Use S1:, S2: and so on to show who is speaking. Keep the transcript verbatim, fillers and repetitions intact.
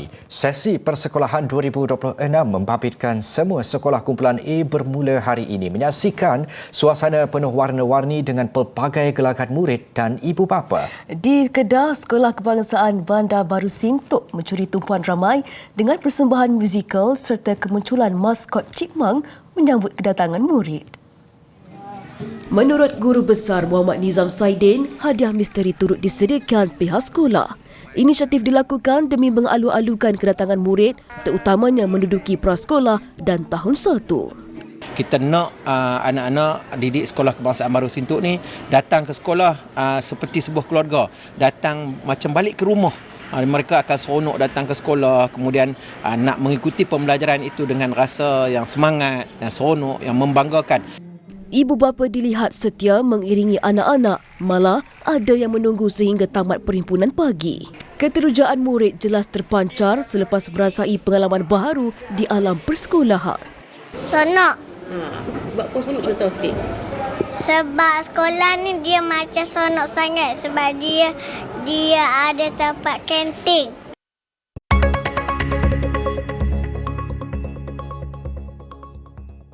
S1: Sesi Persekolahan dua ribu dua puluh enam membabitkan semua sekolah kumpulan A bermula hari ini menyaksikan suasana penuh warna-warni dengan pelbagai gelagat murid dan ibu bapa.
S2: Di Kedah, Sekolah Kebangsaan Bandar Baru Sintok mencuri tumpuan ramai dengan persembahan musikal serta kemunculan maskot Chipmunk menyambut kedatangan murid. Menurut Guru Besar Muhammad Nizam Saidin, hadiah misteri turut disediakan pihak sekolah. Inisiatif dilakukan demi mengalu-alukan kedatangan murid, terutamanya menduduki prasekolah dan tahun satu.
S3: Kita nak uh, anak-anak didik Sekolah Kebangsaan Baru Sintok ni datang ke sekolah uh, seperti sebuah keluarga, datang macam balik ke rumah. Uh, mereka akan seronok datang ke sekolah, kemudian uh, nak mengikuti pembelajaran itu dengan rasa yang semangat dan seronok, yang membanggakan.
S2: Ibu bapa dilihat setia mengiringi anak-anak, malah ada yang menunggu sehingga tamat perhimpunan pagi. Keterujaan murid jelas terpancar selepas merasai pengalaman baharu di alam persekolahan.
S4: Seronok.
S2: Ha, sebab apa seronok, cerita sikit?
S4: Sebab sekolah ni dia macam seronok sangat sebab dia dia ada tempat kantin.